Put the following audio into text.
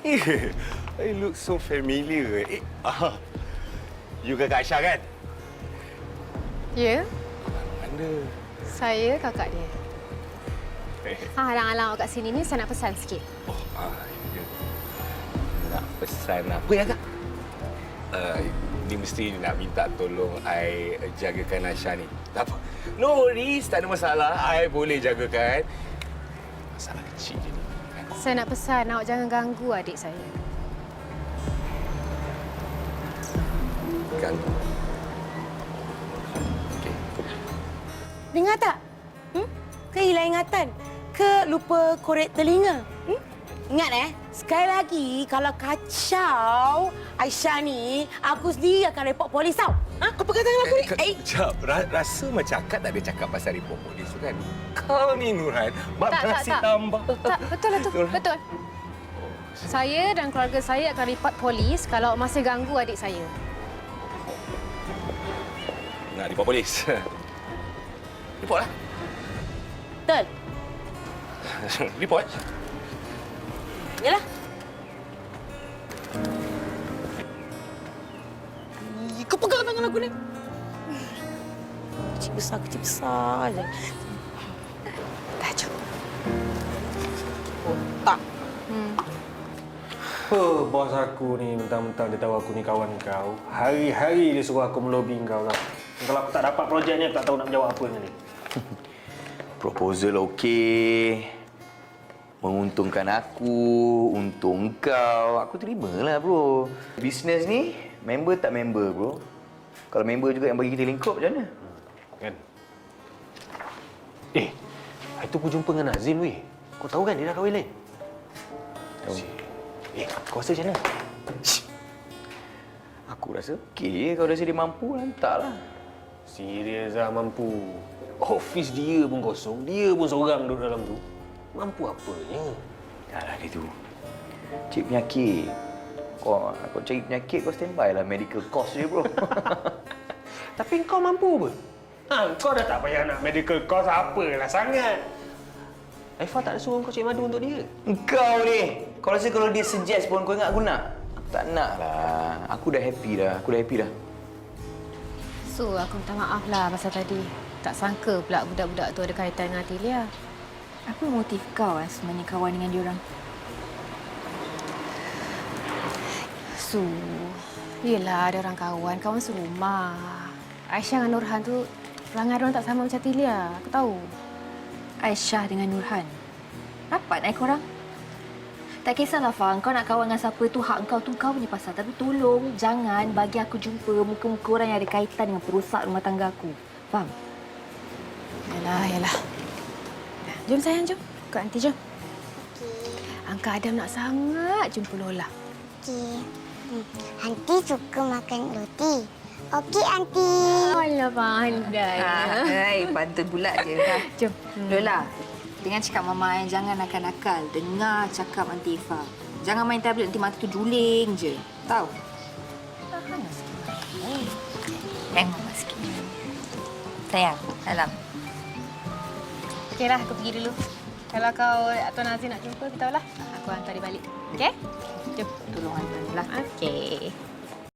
I look so familiar. You kakak Aisyah kan? Ya, Mana? saya kakak dia. Alang-alang awak kat sini ni, saya nak pesan sikit. Ya. Nak pesan apa ya, Kak? Ni mesti nak minta tolong I jagakan Aisyah ni. Tak apa. No worries, tak ada masalah. I boleh jagakan. Masalah kecil je ni. Saya nak pesan awak jangan ganggu adik saya. Ganggu. Okey. Dengar tak? Ke hilang ingatan? Ke lupa korek telinga? Ingat sekali lagi kalau kacau Aisyah ni, aku sendiri akan report polis tau. Kau pegang tangan aku ni. Sekejap. Rasa macam Kak tak ada cakap pasal report polis tu kan? Kau ni Nurhan, bab nasi tambah. Tak, betul lah tu. Betul. Saya dan keluarga saya akan report polis kalau awak masih ganggu adik saya. Nak report polis? Report lah. Betul. Report. Yalah. Kau pegang tangan aku ni. Kecil besar je. Dah cukup. Tak. Bos aku ni mentang-mentang dia tahu aku ni kawan kau. Hari-hari dia suruh aku melobi kau tau. Kalau aku tak dapat projek ni, aku tak tahu nak menjawab apa dengan dia. Proposal okey. Menguntungkan aku, untung kau. Aku terimalah, bro. Bisnes ni, member tak member, bro. Kalau member juga yang bagi kita lingkup, macam mana? Kan? Hari tu aku jumpa dengan Nazim, weh. Kau tahu kan dia dah kahwin lain? Tahu. Kau rasa macam mana? Aku rasa okey. Kalau rasa dia mampu, hantarlah. Serius lah mampu. Ofis dia pun kosong. Dia pun seorang duduk dalam tu. Mampu apanya? Alah dia tu. Cik penyakit. Kau cari penyakit, kau standby lah medical cost je, bro. Tapi kau mampu apa? Kau dah tak payah nak medical cost apalah sangat. Aifah tak ada suruh kau cari madu untuk dia. Kau ni. Kau rasa kalau dia suggest pun kau ingat aku nak? Aku tak nak lah. Aku dah happy dah. So, aku minta maaf lah pasal tadi. Tak sangka pula budak-budak tu ada kaitan dengan Atilia. Apa motif kau sebenarnya kawan dengan diorang? So, yelah ada orang kawan serumah. Aisyah dengan Nurhan tu perangai diorang tak sama macam Atilia. Aku tahu. Aisyah dengan Nurhan. Rapat korang? Tak kisahlah, Fang. Kau nak kawan dengan siapa tu, hak kau tu kau punya pasal. Tapi tolong jangan bagi aku jumpa muka-muka orang yang ada kaitan dengan perosak rumah tangga aku. Faham? Yalah. Jom sayang, jom. Kak Aunty, jom. Okey. Angka Adam nak sangat jumpa Lola. Okey. Aunty suka makan roti. Okey, Aunty. Alah, pandai. Pantun pula je. Jom. Lola, dengan cakap Mama jangan nakal-nakal. Dengar cakap Aunty Ifah. Jangan main tablet nanti mata tu juling je. Tahu? Tahan sikit. Tengok Mama sikit. Sayang, salam. Okeylah, aku pergi dulu. Kalau kau Tuan Azim nak jumpa, beritahulah. Aku hantar dia balik. Okey? Jom. Tolong hantar lah. Okey.